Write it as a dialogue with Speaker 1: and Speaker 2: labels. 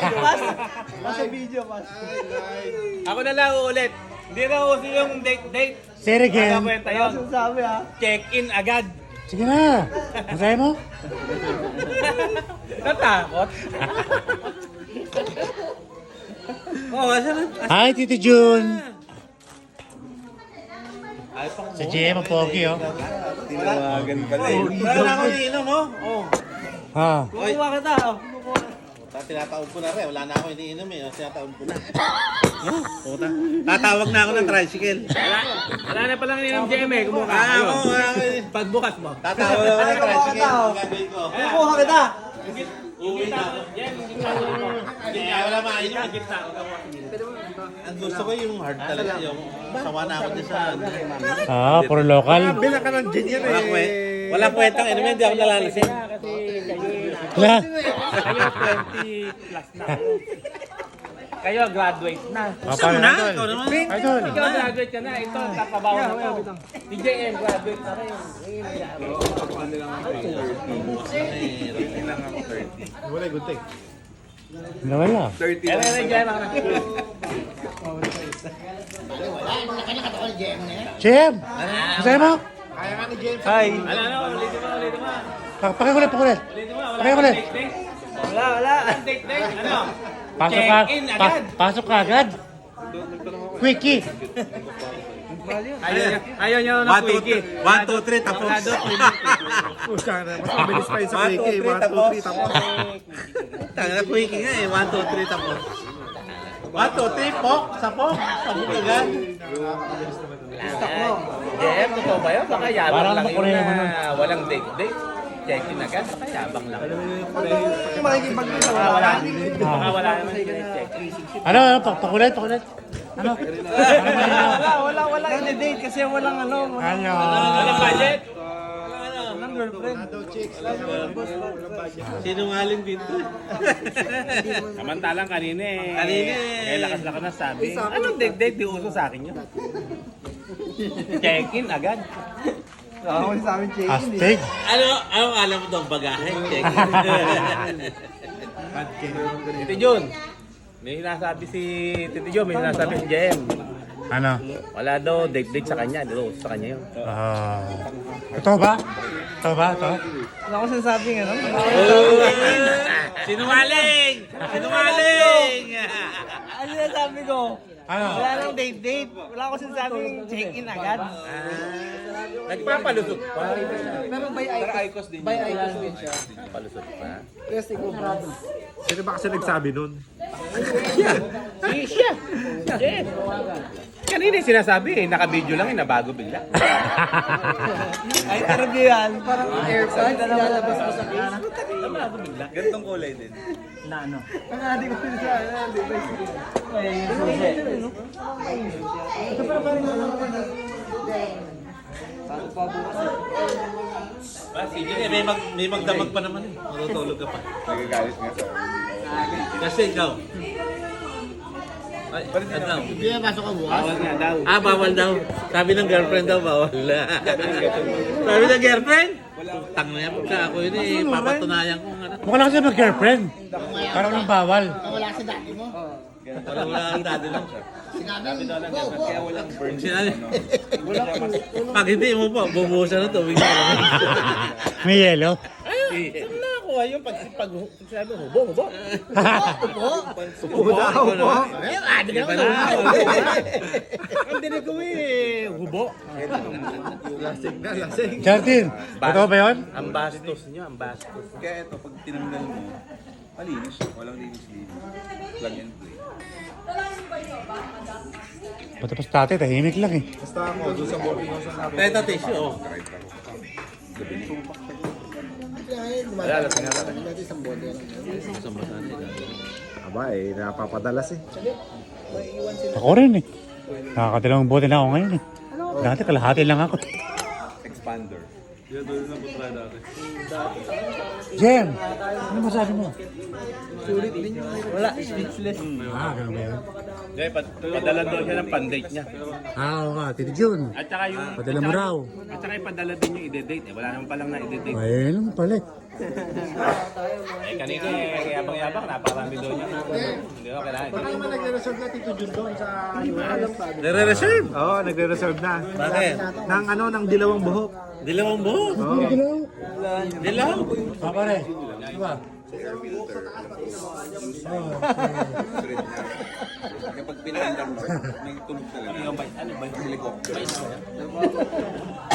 Speaker 1: Nasa video, pas.
Speaker 2: Ako na lang ulit. Hindi na uso yung date.
Speaker 3: Say it again.
Speaker 2: Kwenta yun.
Speaker 1: Ano sabi ha?
Speaker 2: Check-in agad.
Speaker 3: Sige na. Masaya mo?
Speaker 2: Natakot. Oo, kasi
Speaker 3: Hi, Tito June.
Speaker 2: ay pang
Speaker 3: Sa GM, ang pogi, oh.
Speaker 4: Tinawagan pala eh.
Speaker 2: Wala na ako iniinom, oh. Oh.
Speaker 3: Ha.
Speaker 1: Kukuha kita.
Speaker 2: Tinataon ko na rin. Wala na ako iniinom eh. Tinataon ko na. Puta. Tatawag na ako ng tricycle.
Speaker 5: Wala na palang ininom GM eh. Kumuha
Speaker 2: Ah, ako.
Speaker 5: Pagbukas mo.
Speaker 2: Tatawag na ako ng tricycle.
Speaker 1: Ano?
Speaker 2: Gagawin ko.
Speaker 1: Kukuha kita.
Speaker 2: Uwi na ako. Hindi nga wala mainom. Ang gusto ko yung hard talaga. Yung sawa na ako din sa...
Speaker 3: Ah, puro local.
Speaker 4: Bila ka ng gin yan eh.
Speaker 2: Walang kwentang inumin. Hindi ako nalalasing.
Speaker 3: Wala.
Speaker 5: Kayo 20 plus na kayo. Kayo graduate na.
Speaker 2: Gusto mo na? Ikaw naman.
Speaker 3: Idol.
Speaker 5: Ikaw graduate ka na. Ito, kapabaw na to. Si JM graduate na rin.
Speaker 4: Wala, good thing.
Speaker 3: Nawala.
Speaker 4: 30
Speaker 5: Kaya na JM ako na.
Speaker 3: GM. Masaya mo?
Speaker 4: Kaya nga ni James.
Speaker 1: Hi.
Speaker 5: Ano, ulitin mo.
Speaker 3: Pakikulit. Pakikulit.
Speaker 1: Wala.
Speaker 5: Date. Ano?
Speaker 3: Pasok ka.
Speaker 5: Check-in agad.
Speaker 3: Pasok ka agad. Quickie.
Speaker 5: Ayaw niya na quickie.
Speaker 2: 1, 2, 3, tapos.
Speaker 4: Pusa na. Mas mabilis pa yun sa quickie. 1, 2, 3, tapos.
Speaker 2: Tanga quickie nga eh. 1, 2, 3, tapos. 1, 2, 3, pok. Sapok agad.
Speaker 5: JM, totoo ba yun? Baka yabang
Speaker 3: Parang
Speaker 5: lang yun
Speaker 3: makureho mo
Speaker 5: na walang date. Check-in agad. Baka yabang lang.
Speaker 1: Yung makikipag na
Speaker 5: Baka wala.
Speaker 1: wala.
Speaker 5: Baka wala naman check-in.
Speaker 3: Ano? Pakulit. Ano?
Speaker 1: Wala date kasi walang ano.
Speaker 3: Ano?
Speaker 5: Walang budget.
Speaker 1: Walang girlfriend.
Speaker 2: Sinungaling dito.
Speaker 5: Samantalang kanina eh.
Speaker 2: Kanina eh.
Speaker 5: Kaya lakas-lakas na sabi. Anong date? Di uso sa akin yun. Check-in agad.
Speaker 1: Ako sa amin check-in.
Speaker 3: Astig.
Speaker 2: Ano alam mo itong bagahe? Check.
Speaker 5: Tito Jun. May sinasabi si Tito Jun, may sinasabi si JM.
Speaker 3: Ano?
Speaker 5: Wala daw date sa kanya. Di uso sa kanya yun.
Speaker 3: Ito ba? Ito?
Speaker 1: Wala ko sinasabing ano.
Speaker 2: Sinungaling!
Speaker 1: Ano sinasabi ko?
Speaker 3: Ano?
Speaker 1: Wala nang date. Wala ko sinasabing check-in agad.
Speaker 5: Nagpapalusot pa.
Speaker 1: Pero by Icos din siya.
Speaker 5: Palusot pa.
Speaker 1: Yes, ikaw brother.
Speaker 4: Sino ba kasi nagsabi nun?
Speaker 5: Siya. JM. Kanina yung sinasabi eh. Naka-video lang eh. Nabago bigla.
Speaker 1: Ay, interview yan. Parang airpods. Lalabas mo sa case.
Speaker 5: Nabago bigla.
Speaker 2: Gantong kulay din.
Speaker 1: Na ano? Ang adik ko sa ano, di ba? Ay, susi. Ito pa parang ano naman. Saan pa bukas?
Speaker 2: Sige, may magdamag pa naman eh. Matutulog ka pa.
Speaker 4: Nagagalit nga sa
Speaker 2: Kasi ikaw. Ay, ano?
Speaker 1: Hindi na pasok ka bukas.
Speaker 5: Bawal nga daw.
Speaker 2: Bawal daw. Sabi ng girlfriend daw, bawal. Sabi ng girlfriend? Tang na yan. Pagka ako yun eh, papatunayan ko nga.
Speaker 3: Mukha lang kasi mag-girlfriend. Parang walang bawal.
Speaker 1: Wala sa dati mo.
Speaker 2: Wala ang dati lang siya.
Speaker 1: Sinabi, go.
Speaker 2: Sinabi, pag hindi mo po, bumuhusan na tubig na.
Speaker 3: May yelo.
Speaker 5: Saan na ako ayun pag sabi hubo.
Speaker 1: Ayun, adik na ako.
Speaker 5: Ang dinig ko eh, hubo.
Speaker 4: lasing.
Speaker 3: Justin, totoo ba yun?
Speaker 5: Ang bastos niyo, ang bastos.
Speaker 6: Kaya ito, pag tinanggal mo, malinis. Walang linis-linis. Plug and play.
Speaker 3: Tapos dati, tahimik lang eh.
Speaker 4: Basta ako, doon sa boarding house na namin.
Speaker 2: Ito, tissue, oh.
Speaker 5: Wala lang sinara.
Speaker 4: Aba eh, napapadalas eh.
Speaker 3: Ako rin eh. Nakakadalawang bote na ako ngayon eh. Dati kalahati lang ako.
Speaker 6: Expander.
Speaker 3: Jem, ano masabi mo?
Speaker 1: Sulit din yun. Wala, speechless.
Speaker 3: Ganun ba yun?
Speaker 5: Hindi, padala daw siya ng pandate niya.
Speaker 3: Oo nga, Tito Jun.
Speaker 5: At saka yung...
Speaker 3: Padala mo raw.
Speaker 5: At saka ipadala din yung ide-date. Wala naman palang na ide-date.
Speaker 3: Ayun lang pala eh.
Speaker 5: Kanina yabang-yabang, napakarami doon niya. Hindi ko kailangan.
Speaker 4: Baka naman nagre-reserve na Tito Jun doon sa US.
Speaker 2: Nare-reserve?
Speaker 4: Oo, nagre-reserve na.
Speaker 2: Bakit?
Speaker 4: Ng dilawang buhok.
Speaker 2: Dilawang buhok. Dilaw?
Speaker 3: Pare, diba?
Speaker 6: Kapag pinandar mo, may tunog talaga.
Speaker 5: Ano ba?
Speaker 6: Helicopter.